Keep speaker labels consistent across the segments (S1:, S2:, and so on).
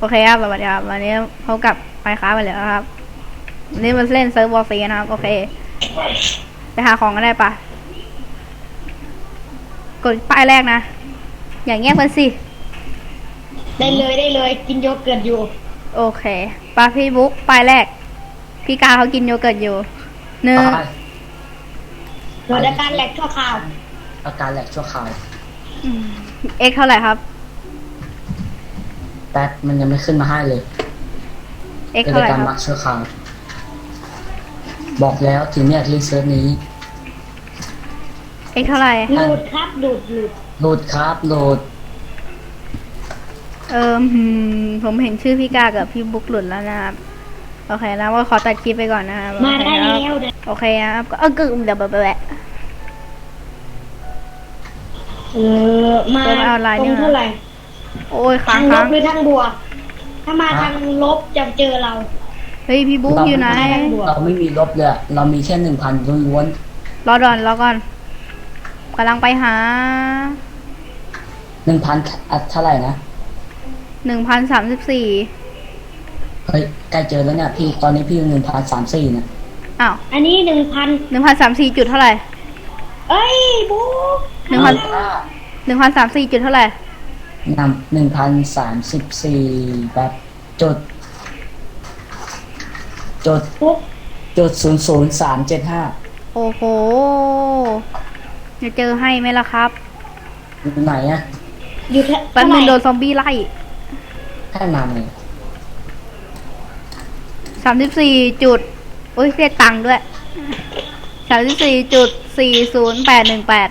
S1: เคครับสวัสดีครับวันนี้พบกับไมค์คราฟไปแล้วครับวันนี้มาเล่นเซิร์ฟวอร์ซีนะครับโอเคไปหาของกันได้ปะกดป้ายแรกนะอย่างเงี้ยมันสิ
S2: ได้เลยกินโยเกิร์ตอยู่
S1: โอเคปะพี่บุ๊กป้ายแรกพี่กาเขากินโยเกิร์ตอยู่หนึ่ง
S2: เกิดอาการแหลกชั่วคราว
S3: อาการแหลกชั่วคราว
S1: เอ็กเท่าไหร่ครับ
S3: แป๊บมันยังไม่ขึ้นมาให้เลย
S1: เอ็กเท่าไหร่ครับ
S3: มักชั่วคราวบอกแล้วถึงเนี่ยรีเซิร์ชนี้
S1: เอ็กเท่าไหร่
S2: หลุดครับหลุด
S3: ครับโหลด
S1: ผมเห็นชื่อพี่กากับพี่บุ๊กหลุดแล้วนะครับโอเคนะว่าขอตัดคลิปไปก่อนนะครับ
S2: มาได้แล้ว
S1: โอเคนะครับก็เดี๋ยวแบบ
S2: มาตรงเท่าไหร่
S1: โอ้ยค้าง
S2: ลบหรือทางบวกถ้ามาทางลบจะเจอเรา
S1: เฮ้ยพี่บุ๊กอยู่ไหน
S3: เราไม่มีลบเลยเรามีแค่1,000ล้วน
S1: รอก่อนกำลังไปหา
S3: 1,000เท่าไหร่นะ
S1: 1,034
S3: เฮ้ยใกล้เจอแล้วเนี่ยพี่ตอนนี้พี่1,034นะ
S1: อ้าว
S2: อันนี้
S1: 1,034จุดเท่าไหร่
S2: เอ้ยบุ๊ก
S1: 1,034จุดเท่าไหร่
S3: 1,034แบบ
S2: ปุ๊บ
S3: 00375
S1: โอ้โหจะเจอให้ไหมล่ะครับ
S3: อยู่ไหนอะ
S2: อยู่
S1: แป๊บนึงโดนซอมบี้ไล่
S3: แค่นานเลย
S1: 34จุดโอ้ยเรียกตังค์ด้วย34.40818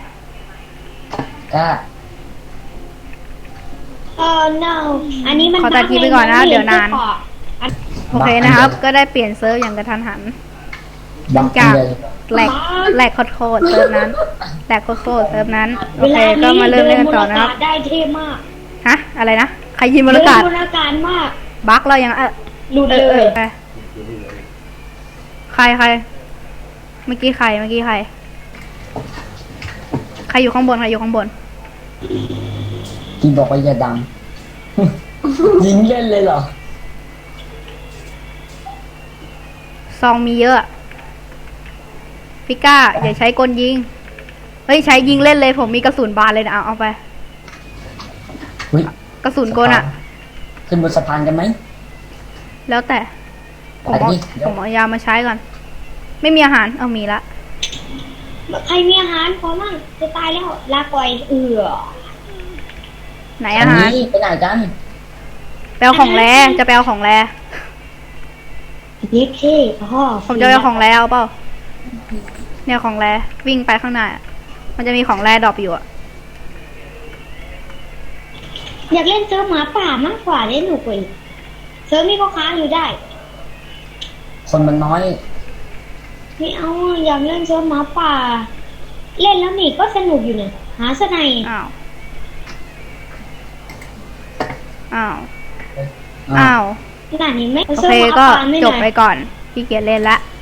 S2: no อันนี้มัน
S1: ขอตัดคลิปไปก่อนนะเดี๋ยวนานโอเคนะครับก็ได้เปลี่ยนเซิร์ฟอย่างกระทันหันจากแหลกโคตรเซิร์ฟนั้นแหลกโคตรเซิร์ฟนั้นโอเคก็มาเริ่มเล่นกันต่อนะครับ
S2: ได้เท่มาก
S1: ฮะอะไรนะใครยิงบรรยากาศ
S2: มาก
S1: บั๊กเรายัง
S2: หลุดเลย
S1: ใครเมื่อกี้ใครอยู่ข้างบน
S3: ที่บอกว่าอย่าดัง ยิงเล่นเลยเหรอ
S1: ซองมีเยอะพี่ก้าอย่าใช้กลยิงเฮ้ยใช้ยิงเล่นเลยผมมีกระสุนบานเลยนะเอาไปกระสุนกลอะ
S3: ขึ้นบนสะพานกันไหม
S1: แล้วแต่ผมเอายามาใช้ก่อนไม่มีอาหารมีละ
S2: ใครมีอาหารพอมั่งจะตายแล้วลาก่อย
S1: ไหนอาหาร
S3: ไปไหนกัน
S1: ไปเอาของแร่จะไปเอาของแร่
S2: เย้เท่พ่อ
S1: ผมจะไปเอาของแร่เอาเปล่าเนี่ยของแร่วิ่งไปข้างหน้ามันจะมีของแร่ดรอปอยู่อะ
S2: อยากเล่นเซิร์ฟหมาป่ามากกว่าเล่นหนูกว่าเซิร์ฟนี่ก็ค้างอยู่ได้
S3: คนมันน้อย
S2: ไม่เอาอยากเล่นเซิร์ฟหมาป่าเล่นแล้วนี่ก็สนุกอยู่เนี่ยหาสไน
S1: อ้าว
S2: ขนาดนี้ไม่
S1: โอเคก็จบไปก่อนพี่เกียรเล่นละ